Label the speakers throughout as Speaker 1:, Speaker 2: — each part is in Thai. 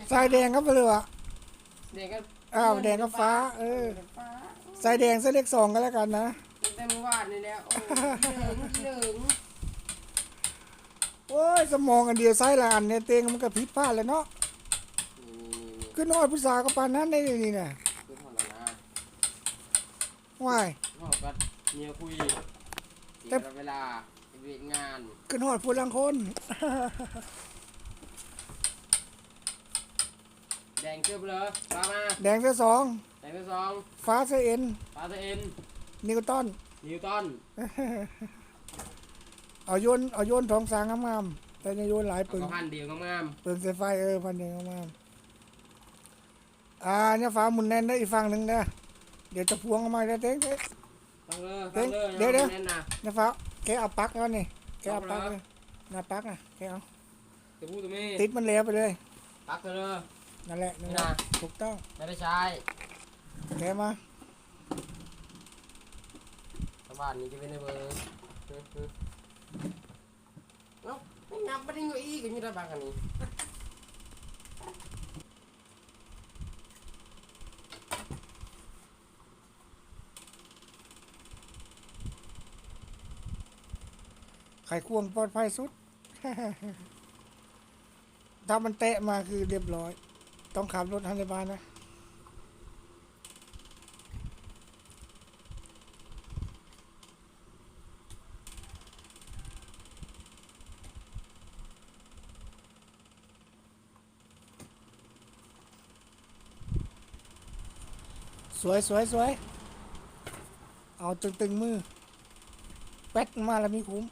Speaker 1: สายแดงครับเลยวะ
Speaker 2: แดงก็
Speaker 1: แดงกับฟ้า
Speaker 2: ฟ้า
Speaker 1: สายแดงเส้นเลข2ก็แล้วกันนะ
Speaker 2: แต่เมื่อวานนี่แล้วโอ้เหลือง
Speaker 1: โอ้ยสมองอันเดียวไส้ละอันเนี่ยเตงมันก็ผิดพลาดเลยเนาะขึ้นนอดผู้สาวก็ปานนั้นได้นี่น่ะ
Speaker 2: คือถอนแล้วนะ
Speaker 1: ว่าย
Speaker 2: พ่อก็เมียคุยเสียเวลาเวียนงาน
Speaker 1: ขึ้นนอดผู้ลังคน
Speaker 2: แดงเกือบเลยฟ้ามา
Speaker 1: แดงเส้น2
Speaker 2: แดงเส้น2
Speaker 1: ฟ้าเส้นเอ็น
Speaker 2: ฟ้าเส้น
Speaker 1: นิวตันเอาโยนทองสางงามๆแต่จะโยนหลายปึง
Speaker 2: พันเดียวงาม
Speaker 1: ปึงเส้นไฟพันเดียวงามเนี่ยฟ้าหมุนแน่นได้อีกฝั่งหนึ่งนะเดี๋ยวจะพวงออกมาได้เต้ง
Speaker 2: ตั้งเลย
Speaker 1: เดี๋ยวเนี่ยฟ้าแกเอาปักแล้วนี่แกเอาปักเลยนะปักนะแกเอาติดมันแล้วไปเลย
Speaker 2: ปักเลย
Speaker 1: นั่นแหละถูกต้อง
Speaker 2: ไม่ได้ใช้
Speaker 1: แกมา
Speaker 2: สบายนี้จะเป็นเบอร์เนาะไม่งับไม่ได้เงยอีกอย่างนี้ได้บ้างอันนี้
Speaker 1: ไขควงปลอดภัยสุด ถ้ามันเตะมาคือเรียบร้อยต้องขับรถทันในบ้านนะสวยเอาตึงมือแป๊ดมาแล้วมีคุ้ม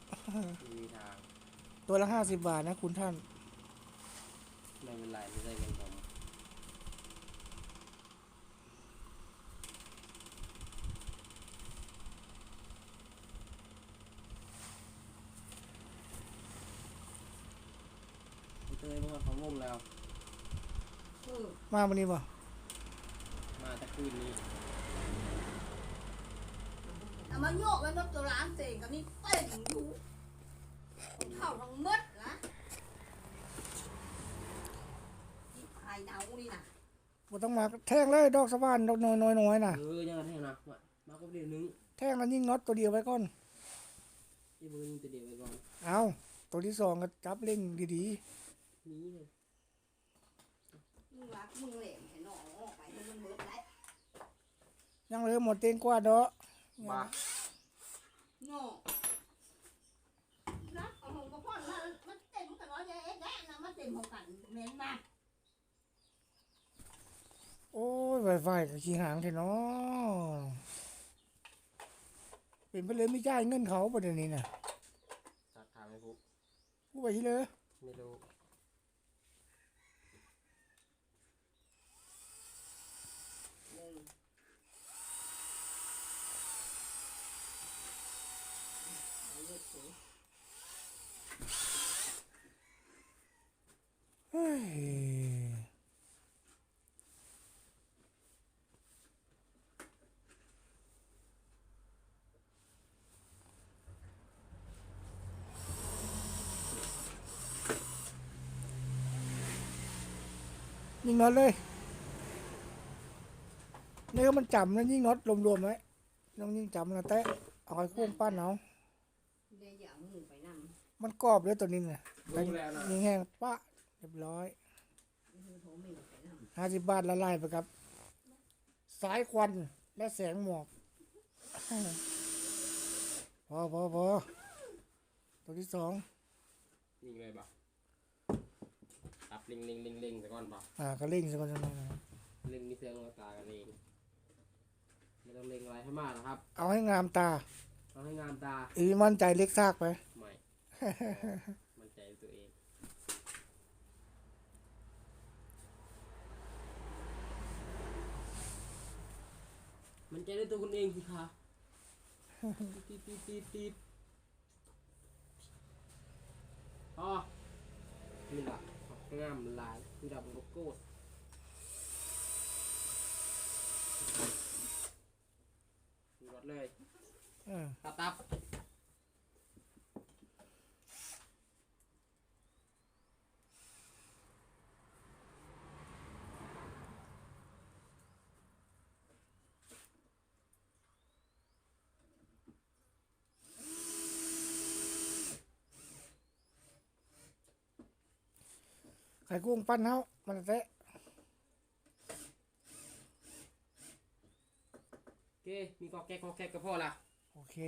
Speaker 1: ตัวละ50 บาทนะคุณท่าน
Speaker 2: ไม่เป็นไรไม่ได้เงินผมเตยมันของงมแล้ว
Speaker 1: มาวันนี้ป่ะ
Speaker 2: มาแต่คืนนี้
Speaker 3: มาโยกไว้นกตัวร้านเสกกับนี่เต้นอยู่เท่าทั้งมดนะที่ภายเนานี่นะ
Speaker 1: บ่ต้องมาแท่งเลยดอกสะพานดอกน้อยน่ะ
Speaker 2: ยังแท่งนะมาก็เดียวนึง
Speaker 1: แท่งแล้วยิงน็อตตัวเดียวไว้ก่อน
Speaker 2: ที่มือยิงตัวเดียวไว้ก่อน
Speaker 1: เอาตัวที่2ก็จับเล่งดี
Speaker 2: ๆนี้เลย
Speaker 3: มึงรักมึงเหล่เห็นหนอไปมันเบิดแล้ว
Speaker 1: ยังเหลือหมดเต็งกว่าเนาะ
Speaker 2: บ้า
Speaker 3: โน่รักเอาหงกับพ่อมันเต็มกันร้อยแย่นะมันเต็มของกันเม้นมา
Speaker 1: โอ้ยไฟกับขี้หางเถอะเนาะเป็นไปเลยไม่จ่ายเงินเขาประเด็นนี้น่ะ
Speaker 2: สักถามไม่พูด
Speaker 1: ไปที่เลย
Speaker 2: ไม่รู้
Speaker 1: ยิงน็อตเลยนี่ก็มันจำนะยิงน็อตรวมๆไว้น้องยิงจำนะแต่เอาไอ้คุ้งปั้นเอามันกรอบเลยตัวนี้น่ะยิงแห้งปะเรียบร้อย50 บาทละลายไปครับสายควันและแสงหมอกพอตัวที่2
Speaker 2: ยิงเลยบ่ตับลิงซะก่อนป่ะ
Speaker 1: ก็เล่งซะก่อนนะ
Speaker 2: ลิงมีเสียงตากันเองไม่ต้องเล็งอะไรให้มากนะครับ
Speaker 1: เอาให้งามตา
Speaker 2: เอาให้งามตา
Speaker 1: มั่นใจเล็กซากไป
Speaker 2: ไม่มั่นใจตัวเองมันใจในตัวคุณเองสิคะตีดอ๋อนี่แหละงามลายคือดำโลโก้รถเลยตับ
Speaker 1: ไข่กุ้งปั้นเฮามันแท้
Speaker 2: โอเคมีกอกแก๊กก็พอละ
Speaker 1: โอเค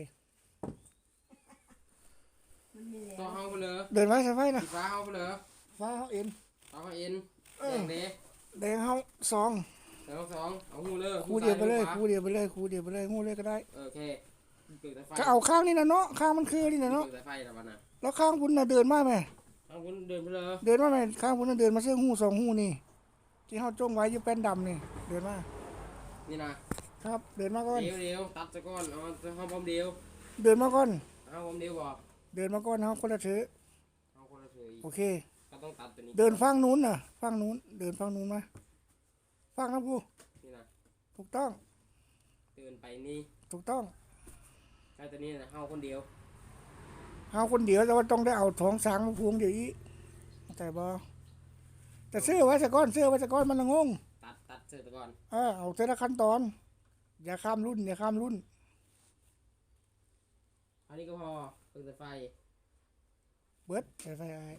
Speaker 3: มันมีแล้ว
Speaker 2: ต่อเฮาไปเลย
Speaker 1: เดินไว้ใส่ไฟนะ
Speaker 2: สีฟ้าเฮาไปเลย
Speaker 1: ฟ้าเฮาเอ็น
Speaker 2: ฟ้าเฮาเอ็นแดงเด้
Speaker 1: แดงเฮาซอง
Speaker 2: แล้วสองเอาหูเลย
Speaker 1: คู่เดียวไปเลยคู่เดียวไปเลยคู่เดียวไปเลยงูเลยก็ได้
Speaker 2: โอเคเปิดสายไฟ
Speaker 1: ก็เอาข้างนี่นะเนาะข้างมันคือนี่นะเนาะ
Speaker 2: เปิดสายไฟแล้ววันน่ะ
Speaker 1: แล้วข้างบุญน่ะเดินมาไหม
Speaker 2: เอาคุณเดินไปเลย
Speaker 1: เดินมาไหมข้างบุญน่ะเดินมาเสื้อหูสองหูนี่ที่เฮาจ้องไว้อยู่แป้นดำนี่เดินมา
Speaker 2: นี่นะครับ
Speaker 1: เดินมาก่อน
Speaker 2: เดี๋ยวตัดซะก่อนเอาเฮาพร้อมเดียว
Speaker 1: เดินมาก่อน
Speaker 2: เอาพร้อมเดียวบอก
Speaker 1: เดินมาก่อนเฮาคนละถือ
Speaker 2: เอาคนละเฉย
Speaker 1: โอเค
Speaker 2: ก็ต้องตัดตัวนี้
Speaker 1: เดินฝั่งนู้นน่ะฝั่งนู้นเดินฝั่งนู้นมาฝั่งนะผู้
Speaker 2: นี่นะ
Speaker 1: ถูกต้อง
Speaker 2: เดินไปนี่
Speaker 1: ถูกต้อง
Speaker 2: ใช้ตัวนี้นะเฮาคนเดียว
Speaker 1: เฮาคนเดียวแต่ว่าต้องได้เอาท้องสางมาพวงเดี๋ยวอีแต่บ่แต่ซื้อไว้ซะก่อนซื้อไว้ซะก่อนมันละงง
Speaker 2: ตัดเสร็จก่อน
Speaker 1: เอาแต่ละขั้นตอน อย่าข้ามรุ่นอย่าข้ามรุ่น
Speaker 2: อันนี้ก็พอเปิดสายไฟ
Speaker 1: เบิดใส่ไฟไอ้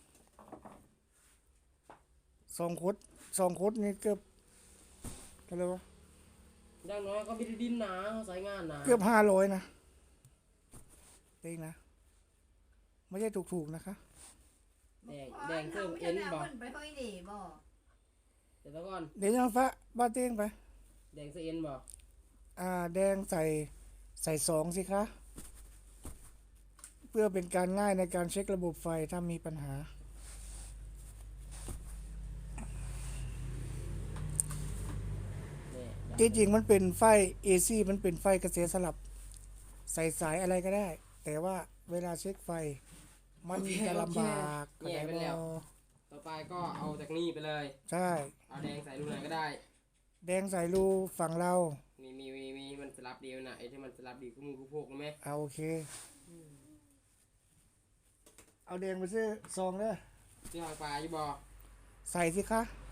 Speaker 1: สองคดนี่เกือบเท่าไหร่วะ
Speaker 2: อย่างน้อยก็พิธีดินหนาสายงานหนา
Speaker 1: เกือบ500นะเองนะไม่ใช่ถูกๆนะคะ
Speaker 2: แดงเพิ่มเอ็นบอก
Speaker 3: ไปห้อยเด๋บ่
Speaker 2: เดี๋ยวก่อน
Speaker 1: เดี๋ยวยังฟ้าบ้านเต้งไป
Speaker 2: แดงเสื้อเอ็นบอก
Speaker 1: แดงใส่2สิคะเพื่อเป็นการง่ายในการเช็คระบบไฟถ้ามีปัญหา
Speaker 2: เนี่ย
Speaker 1: จริงๆมันเป็นไฟ AC มันเป็นไฟกระแสสลับ ใส่สายอะไรก็ได้ แต่ว่าเวลาเช็คไฟ มันจะลำบากเข้าใจบ่
Speaker 2: ต่อไปก็เอาจากนี่ไปเลย
Speaker 1: ใช่
Speaker 2: เอาแดงใส่รูไหนก็ได้
Speaker 1: แดงใส่รูฝั่งเรา
Speaker 2: มีมันสลับเดียวนะไอ้ที่มันสลับดีคู่มือคู่พกรู้ไหม
Speaker 1: เอาโอเค เอาแดงไปซื้อซองเด้อ
Speaker 2: ที่ทางปลาอยู่บ่
Speaker 1: ใส่สิคะ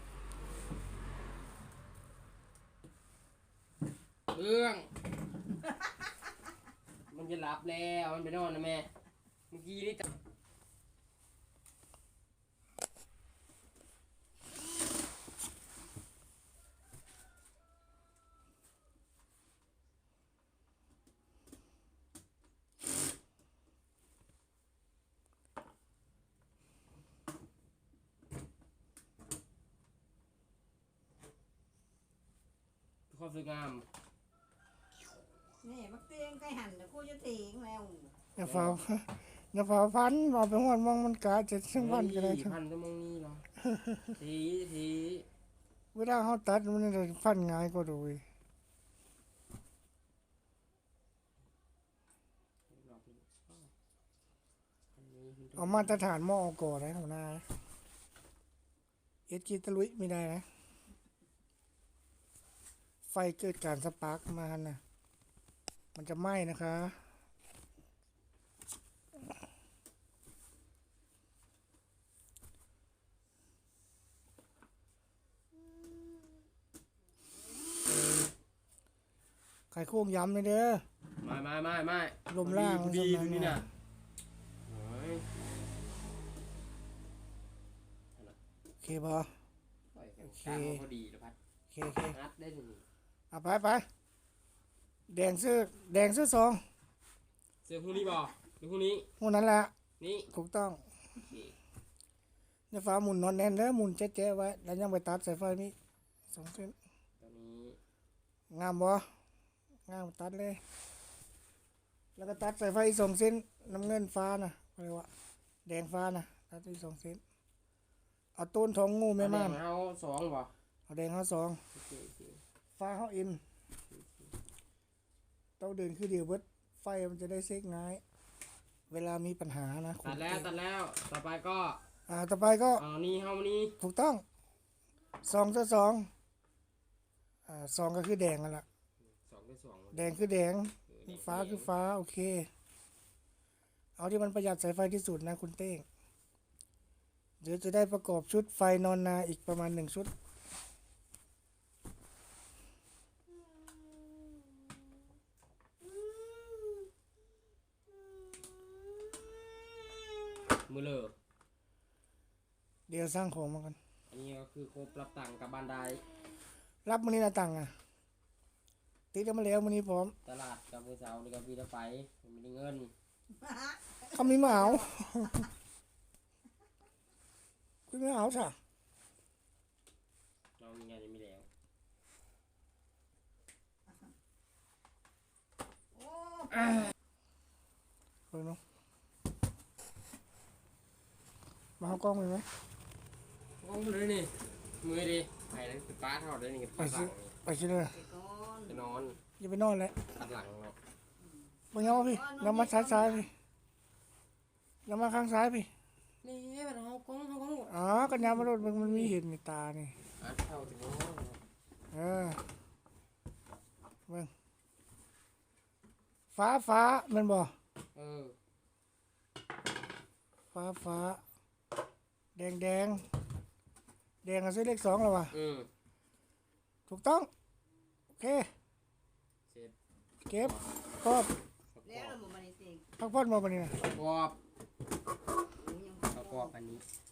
Speaker 2: เรื่อง มันจะหลับแล้วมันไปนอนนะแม่เมื่อกี้นี่ ความสวยงาม
Speaker 3: นี่มักเตียงไก่หั่นแต่กูจะตีงแล้ว
Speaker 1: อย่าเฝ้า อย่าเฝ้าพันเอาไปหอดมองมันกาจะซึ่งวันก็ได้
Speaker 2: เฮ้ยพันก็มองนี่เหรอ ที
Speaker 1: เวลาเขาตัดมันจะพันง่ายกว่าดูอีกเอามาตรฐานหม้อก่อนนะหัวหน้าเอสกีตะลุยไม่ได้นะ ไฟเกิดการสปาร์กมานะมันจะไหม้นะคะ ไข่โค้งย้ำเลยเด้อ
Speaker 2: ไม่
Speaker 1: ลมล่าง
Speaker 2: ดี
Speaker 1: ลมล่าง
Speaker 2: นี่นะเฮ้ย
Speaker 1: โอเคปะ
Speaker 2: โอเคพอดีแล้วพัด
Speaker 1: โอเคโอเค
Speaker 2: นัดได้หนึ่ง
Speaker 1: เอาไปแดงเสื้อซอง
Speaker 2: เสื้อคู่นี้บ่หรือคู่นี้
Speaker 1: พวกนั้นแหละ
Speaker 2: นี่
Speaker 1: ถูกต้อง
Speaker 2: โอเค
Speaker 1: เนี่ยฟ้าหมุนนอนแน่นแล้วหมุนแจ๊ะๆไว้แล้วยังไปตัดสายไฟนี่2 เส้น
Speaker 2: ตอนนี้
Speaker 1: งามบ่งามตัดเลย แล้วก็ตัดสายไฟอีก2 เส้นน้ำเงินฟ้านะอะไรวะแดงฟ้านะตัดอีก2 เส้นเอาต้นทองงูแม่ม่าน
Speaker 2: เอาสองบ่
Speaker 1: เอาแดงเขา2
Speaker 2: โอเค
Speaker 1: ฟ้าเขาอินต้องเดินคือเดียวเบิดไฟมันจะได้เซ็กง่าย เวลามีปัญหานะ
Speaker 2: ตัดแล้วต่อไปก็
Speaker 1: ต่อไปก็
Speaker 2: เอานี่เข้ามานี่
Speaker 1: ถูกต้อง2 เสื้อ 22ก็คือแดงนั่นแหละ
Speaker 2: 2
Speaker 1: แดงคือแดงฟ้าคือฟ้าโอเค เอาที่มันประหยัดสายไฟที่สุดนะคุณเต้งเดี๋ยวจะได้ประกอบชุดไฟนอนนาอีกประมาณ1 ชุด
Speaker 2: มือเลอ
Speaker 1: เเดี๋ยวสร้างของมากัน
Speaker 2: อันนี้ก็คือครบรับตังค์กับบันได
Speaker 1: รับมื้อนี้ละตังค์อ่ะติดกันมาแล้วมื้อนี้พร้อม
Speaker 2: ตลาดกับมือเสานี่ก็พี่จะไปไม่ได้เงิน
Speaker 1: เขามีมาเอาคุณไม่เอาจ้ะ
Speaker 2: เรามีงานยังไม่แล้ว
Speaker 3: โอ้
Speaker 1: เปิดเนาะมาเอากล้องไปไหม
Speaker 2: โอ้เลยนี่มือดิไปแล้วคือป้าทอดเลยนี่
Speaker 1: ไป
Speaker 2: ตัดห
Speaker 1: สิ
Speaker 2: ลังนี่
Speaker 1: ไปสิเลย
Speaker 3: ไปก่อน
Speaker 2: จะนอน
Speaker 1: อย่าไปนอนเลย
Speaker 2: ตัดหลังเนาะ
Speaker 1: มาเงาพี่เรามาซ้ายพี่เรามาข้างซ้ายพี่
Speaker 2: นี่มันเอากล้อง
Speaker 1: อ๋อกันยามารถมันมีเห็นในตานี่
Speaker 2: อ่ะเท่าถึง
Speaker 1: เออเบิ่งฟ้ามันบ่
Speaker 2: เออ
Speaker 1: ฟ้าแดงแดงก็ซื้อเลข2แล้วว่ะ ถูกต้องโอเค
Speaker 2: เสร็จ
Speaker 1: เก็บครอบ
Speaker 3: แล้วเราหมดมาในเต็ง
Speaker 1: พักผ่อนมาปะเนี่ย
Speaker 2: ประกอบ
Speaker 3: โอ้ยยัง
Speaker 2: ประกอบอันนี้